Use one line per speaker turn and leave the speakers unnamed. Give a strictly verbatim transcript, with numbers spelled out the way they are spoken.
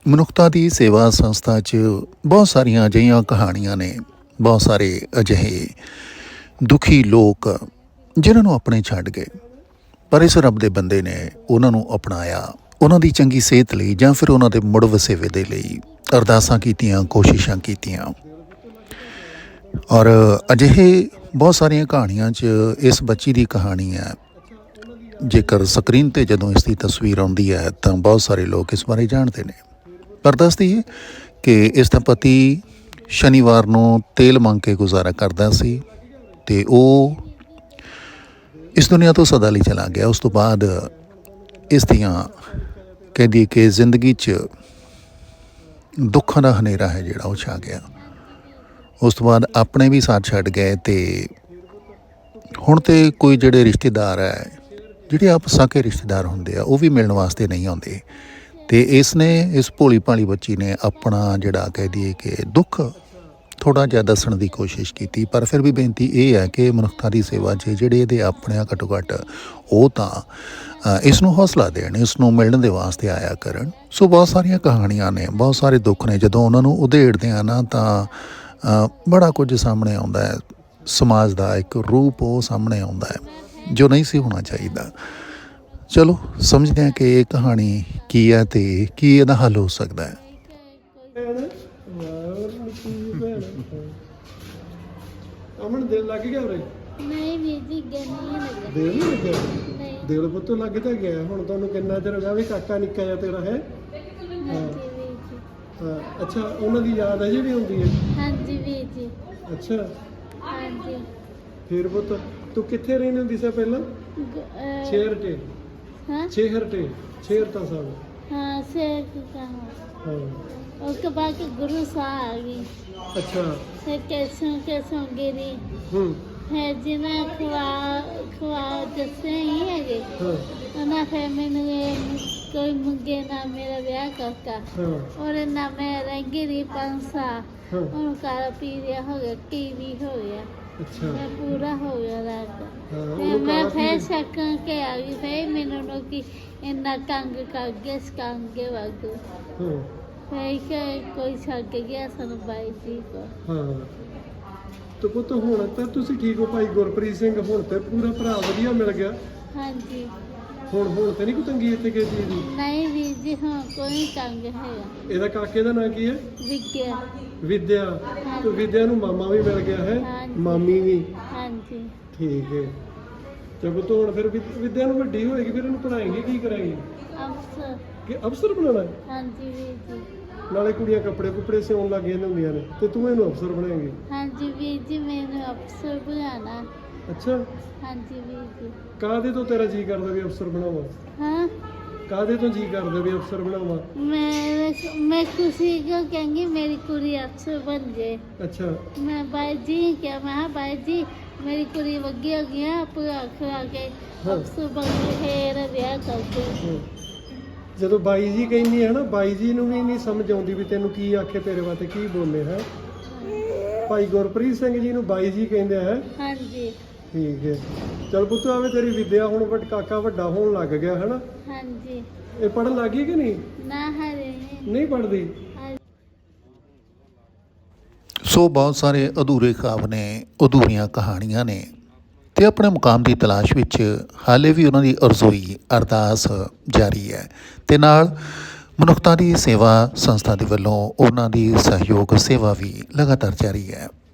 ਮਨੁੱਖਤਾ ਦੀ ਸੇਵਾ ਸੰਸਥਾ 'ਚ ਬਹੁਤ ਸਾਰੀਆਂ ਅਜਿਹੀਆਂ ਕਹਾਣੀਆਂ ਨੇ, ਬਹੁਤ ਸਾਰੇ ਅਜਿਹੇ ਦੁਖੀ ਲੋਕ ਜਿਨ੍ਹਾਂ ਨੂੰ ਆਪਣੇ ਛੱਡ ਗਏ, ਪਰ ਇਸ ਰੱਬ ਦੇ ਬੰਦੇ ਨੇ ਉਹਨਾਂ ਨੂੰ ਅਪਣਾਇਆ, ਉਹਨਾਂ ਦੀ ਚੰਗੀ ਸਿਹਤ ਲਈ ਜਾਂ ਫਿਰ ਉਹਨਾਂ ਦੇ ਮੁੜ ਵਸੇਵੇ ਦੇ ਲਈ ਅਰਦਾਸਾਂ ਕੀਤੀਆਂ, ਕੋਸ਼ਿਸ਼ਾਂ ਕੀਤੀਆਂ। ਔਰ ਅਜਿਹੇ ਬਹੁਤ ਸਾਰੀਆਂ ਕਹਾਣੀਆਂ 'ਚ ਇਸ ਬੱਚੀ ਦੀ ਕਹਾਣੀ ਹੈ। ਜੇਕਰ ਸਕਰੀਨ 'ਤੇ ਜਦੋਂ ਇਸ ਦੀ ਤਸਵੀਰ ਆਉਂਦੀ ਹੈ ਤਾਂ ਬਹੁਤ ਸਾਰੇ ਲੋਕ ਇਸ ਬਾਰੇ ਜਾਣਦੇ ਨੇ। ਪਰ ਦੱਸਦੀ ਹੈ ਕਿ ਇਸ ਦਾ ਪਤੀ ਸ਼ਨੀਵਾਰ ਨੂੰ ਤੇਲ ਮੰਗ ਕੇ ਗੁਜ਼ਾਰਾ ਕਰਦਾ ਸੀ ਅਤੇ ਉਹ ਇਸ ਦੁਨੀਆ ਤੋਂ ਸਦਾ ਲਈ ਚਲਾ ਗਿਆ। ਉਸ ਤੋਂ ਬਾਅਦ ਇਸ ਦੀਆਂ ਕਹਿ ਦਈਏ ਕਿ ਜ਼ਿੰਦਗੀ 'ਚ ਦੁੱਖਾਂ ਦਾ ਹਨੇਰਾ ਹੈ ਜਿਹੜਾ ਉਹ ਛਾ ਗਿਆ। ਉਸ ਤੋਂ ਬਾਅਦ ਆਪਣੇ ਵੀ ਸਾਥ ਛੱਡ ਗਏ ਅਤੇ ਹੁਣ ਤਾਂ ਕੋਈ ਜਿਹੜੇ ਰਿਸ਼ਤੇਦਾਰ ਹੈ, ਜਿਹੜੇ ਆਪ ਸਾਕੇ ਰਿਸ਼ਤੇਦਾਰ ਹੁੰਦੇ ਆ, ਉਹ ਵੀ ਮਿਲਣ ਵਾਸਤੇ ਨਹੀਂ ਆਉਂਦੇ। ਅਤੇ ਇਸ ਨੇ ਇਸ ਭੋਲੀ ਭਾਲੀ ਬੱਚੀ ਨੇ ਆਪਣਾ ਜਿਹੜਾ ਕਹਿ ਦਈਏ ਕਿ ਦੁੱਖ ਥੋੜ੍ਹਾ ਜਿਹਾ ਦੱਸਣ ਦੀ ਕੋਸ਼ਿਸ਼ ਕੀਤੀ। ਪਰ ਫਿਰ ਵੀ ਬੇਨਤੀ ਇਹ ਹੈ ਕਿ ਮਨੁੱਖਤਾ ਦੀ ਸੇਵਾ 'ਚ ਜਿਹੜੇ ਇਹਦੇ ਆਪਣੇ ਆ ਘੱਟੋ ਘੱਟ ਉਹ ਤਾਂ ਇਸ ਨੂੰ ਹੌਸਲਾ ਦੇਣ, ਇਸ ਨੂੰ ਮਿਲਣ ਦੇ ਵਾਸਤੇ ਆਇਆ ਕਰਨ। ਸੋ ਬਹੁਤ ਸਾਰੀਆਂ ਕਹਾਣੀਆਂ ਨੇ, ਬਹੁਤ ਸਾਰੇ ਦੁੱਖ ਨੇ। ਜਦੋਂ ਉਹਨਾਂ ਨੂੰ ਉਧੇੜਦੇ ਆ ਨਾ ਤਾਂ ਬੜਾ ਕੁਝ ਸਾਹਮਣੇ ਆਉਂਦਾ ਹੈ। ਸਮਾਜ ਦਾ ਇੱਕ ਰੂਪ ਉਹ ਸਾਹਮਣੇ ਆਉਂਦਾ ਹੈ ਜੋ ਨਹੀਂ ਸੀ ਹੋਣਾ ਚਾਹੀਦਾ। ਚਲੋ ਸਮਝਦੇ ਹਾਂ ਕਿ ਇਹ ਕਹਾਣੀ ਕੀ ਹੈ ਅਤੇ ਕੀ ਇਹਦਾ ਹੱਲ ਹੋ ਸਕਦਾ ਹੈ।
ਅਮਨ ਦਿਲ ਲੱਗ ਗਿਆ ਉਰੇ?
ਨਹੀਂ ਵੀਰ ਜੀ, ਅੱਗੇ ਨਹੀਂ ਲੱਗਾ।
ਦਿਲ ਨਹੀਂ ਲੱਗਿਆ?
ਨਹੀਂ।
ਦਿਲ ਪੁੱਤ ਲੱਗ ਤਾਂ ਗਿਆ। ਹੁਣ ਤੁਹਾਨੂੰ ਕਿੰਨਾ ਚਿਰ ਹੋ ਗਿਆ ਵੀ ਕਾਕਾ ਨਿੱਕਾ ਜਿਹਾ ਤੇਰਾ ਹੈ?
ਹਾਂਜੀ ਵੀਰ ਜੀ।
ਹਾਂ, ਅੱਛਾ, ਉਹਨਾਂ ਦੀ ਯਾਦ ਅਜੇ ਵੀ ਆਉਂਦੀ ਹੈ?
ਹਾਂਜੀ ਵੀਰ ਜੀ।
ਅੱਛਾ,
ਹਾਂਜੀ।
ਫਿਰ ਪੁੱਤ ਤੂੰ ਕਿੱਥੇ ਰਹਿੰਦੀ ਹੁੰਦੀ ਸੀ ਪਹਿਲਾਂ?
ਗ- ਅਹ,
ਸ਼ੇਰ ਟੇ
ਹਾਂ
ਸ਼ੇਹਰ ਟੇ ਸ਼ੇਰ ਤਾਂ ਸਾਹਿਬ।
ਹਾਂ ਸ਼ੇਰ ਕੀ ਕਹਾਂ।
ਹਾਂ,
उसके बाद गुरु साहब आ गई,
ਅੱਛਾ।
फिर कैसों कैसों गिरी,
ਹੂੰ,
फिर जिन्हें खुआ खुआ जैसे ही है गए
ਹਾਂ,
उन्हें फिर मैंने कोई मुंगे ना मेरा ब्याह करता
ਹਾਂ,
और ना मैं रंगी रही पंसा
ਹਾਂ,
उनका पीरिया हो गया, टीवी हो गया,
ਅੱਛਾ।
मैं पूरा हो गया रात।
ਹਾਂ,
फिर
ਉਹਨੂੰ
मैं
ਕਾਲਾ
फिर
ਪੀਰ-
शक के आ गई, फिर मैंने उन्होंने की इन्ना कंग कर गया कंगे वागू,
ਹਾਂ,
फिर के कोई छक गया सन बाई जी को।
ਹਾਂ। ਤੇ ਪੁੱਤ ਹੁਣ ਤਾਂ ਤੁਸੀਂ ਠੀਕ ਹੋ ਭਾਈ ਗੁਰਪ੍ਰੀਤ ਸਿੰਘ? ਹੁਣ ਤੇ ਪੂਰਾ ਭਰਾ ਵਧੀਆ ਮਿਲ ਗਿਆ।
हाँ जी।
ਹੁਣ ਹੁਣ ਤੇ ਨਹੀਂ ਕੋਈ ਤੰਗੀ ਇੱਥੇ ਕਿਸੇ ਚੀਜ਼ ਦੀ?
नहीं वीर जी, हाँ कोई कंग है
ਇਹਦਾ ਕਾਕੇ ਦਾ ਨਾਂ ਕੀ ਹੈ?
विज्ञा।
ਵਿਦਿਆ। ਤੇ ਵਿਦਿਆ ਨੂੰ ਮਾਮਾ ਵੀ ਮਿਲ ਗਿਆ ਹੈ?
ਹਾਂਜੀ।
ਮਾਮੀ ਵੀ?
हाँ जी।
ਠੀਕ ਹੈ। ਤੇ ਪੁੱਤ ਹੁਣ ਫਿਰ ਵਿਦ- ਵਿਦਿਆ ਨੂੰ ਵੱਡੀ ਹੋਏਗੀ, ਫਿਰ ਇਹਨੂੰ ਪੜ੍ਹਾਏਂਗੇ, ਕੀ ਕਰਾਂਗੇ?
अफसर।
ਕਿ ਅਫਸਰ ਬਣਾਉਣਾ ਹੈ?
हाँ जी वीर जी।
ਨਾਲੇ ਕੁੜੀਆਂ ਕੱਪੜੇ ਕੁਪੜੇ ਸਿਉਣ ਲੱਗ ਜਾਂਦੀਆਂ ਹੁੰਦੀਆਂ ਨੇ ਤੇ ਤੂੰ ਇਹਨੂੰ ਅਫਸਰ ਬਣਾਏਂਗੀ?
हाँ जी वीर जी, मैंने अफसर बनाना।
ਅੱਛਾ।
हाँ जी वीर जी।
ਕਾਹਦੇ ਤੋਂ ਤੇਰਾ ਜੀ ਕਰਦਾ ਵੀ ਅਫਸਰ ਬਣਾਵਾਂ?
हाँ,
ਕਾਹਦੇ ਤੋਂ ਜੀ ਕਰਦਾ ਵੀ ਅਫਸਰ ਬਣਾਵਾਂ?
मैं मैं खुशी को कहेंगी मेरी कुड़ी अफसर बन जाए।
ਅੱਛਾ।
मैं बाई जी क्या, मैं हाँ बाई जी मेरी कुड़ी वगी हो गई है, पूरा खिला के
हाँ।
अफसर बन गई, फिर ब्याह कर दो।
ਹੂੰ। ਜਦੋਂ ਬਾਈ ਜੀ ਕਹਿੰਦੀ ਹੈ ਨਾ, ਬਾਈ ਜੀ ਨੂੰ ਵੀ ਨਹੀਂ ਸਮਝ ਆਉਂਦੀ ਵੀ ਤੈਨੂੰ ਕੀ ਆਖੇ, ਤੇਰੇ ਵਾਸਤੇ ਕੀ ਬੋਲੇ ਹੈ। ਭਾਈ ਗੁਰਪ੍ਰੀਤ ਸਿੰਘ ਜੀ ਨੂੰ ਬਾਈ ਜੀ ਕਹਿੰਦੇ ਹੈ?
हाँ जी।
ਠੀਕ ਹੈ। ਚਲ ਪੁੱਤ, ਆਵੇ ਤੇਰੀ ਵਿਦਿਆ ਹੁਣ ਵੱਡ ਕਾਕਾ ਵੱਡਾ ਹੋਣ ਲੱਗ ਗਿਆ ਹੈ ਨਾ?
हाँ जी।
ਇਹ ਪੜ੍ਹਨ ਲੱਗ ਗਈ ਕਿ ਨਹੀਂ?
ना हरे नहीं।
ਨਹੀਂ ਪੜ੍ਹਦੀ?
ਸੋ ਬਹੁਤ ਸਾਰੇ ਅਧੂਰੇ ਖ਼ਾਬ ਨੇ, ਅਧੂਰੀਆਂ ਕਹਾਣੀਆਂ ਨੇ ਅਤੇ ਆਪਣੇ ਮੁਕਾਮ ਦੀ ਤਲਾਸ਼ ਵਿੱਚ ਹਾਲੇ ਵੀ ਉਹਨਾਂ ਦੀ ਅਰਜ਼ੋਈ ਅਰਦਾਸ ਜਾਰੀ ਹੈ। ਅਤੇ ਨਾਲ ਮਨੁੱਖਤਾ ਦੀ ਸੇਵਾ ਸੰਸਥਾ ਦੇ ਵੱਲੋਂ ਉਹਨਾਂ ਦੀ ਸਹਿਯੋਗ ਸੇਵਾ ਵੀ ਲਗਾਤਾਰ ਜਾਰੀ ਹੈ।